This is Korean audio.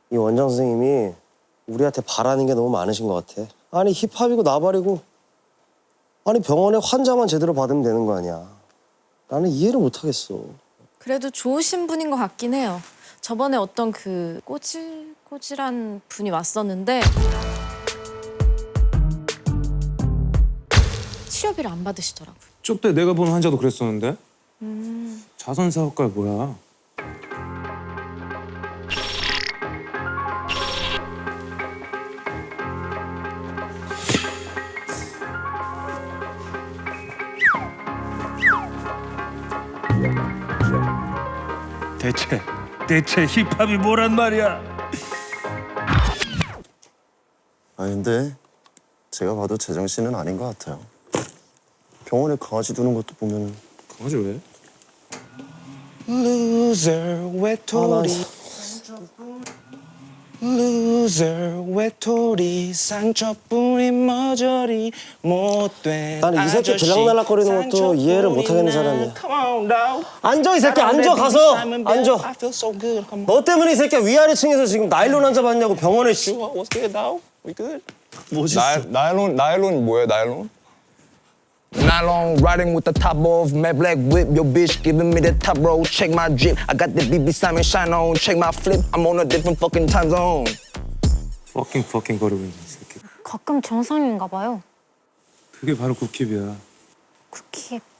이 원장 선생님이 우리한테 바라는 게 너무 많으신 것 같아. 아니 힙합이고 나발이고 아니 병원에 환자만 제대로 받으면 되는 거 아니야. 나는 이해를 못 하겠어. 그래도 좋으신 분인 것 같긴 해요. 저번에 어떤 그 꼬질꼬질한 분이 왔었는데 치료비를 안 받으시더라고요. 쪽대 내가 본 환자도 그랬었는데? 자선사업가 뭐야? 대체 힙합이 뭐란 말이야? 아니 근데 제가 봐도 제정신은 아닌 것 같아요. 병원에 강아지 두는 것도 보면 강아지 왜? Loser 외톨이 Loser 외톨이 상처뿐인 머저리 못된 나는 이 새끼 아저씨, 들락날락거리는 것도 이해를 못 하겠는 사람이야. Come on, dog. 앉아 이 새끼 앉아 가서 앉아. I feel so good. Come on. 너 때문에 이 새끼야 위아래층에서 지금 나일론 환자 받냐고 병원에 씨. What's good, dog? We good? 나일론 뭐예요, 나일론? Nylon riding with the top off, matte black whip. Your bitch giving me the top roll. Check my drip. I got the BB Simon shine on. Check my flip. I'm on a different fucking time zone. 퍼킹 거리고 있는 새끼. 가끔 정상인가 봐요. 그게 바로 굿킵이야. 쿠키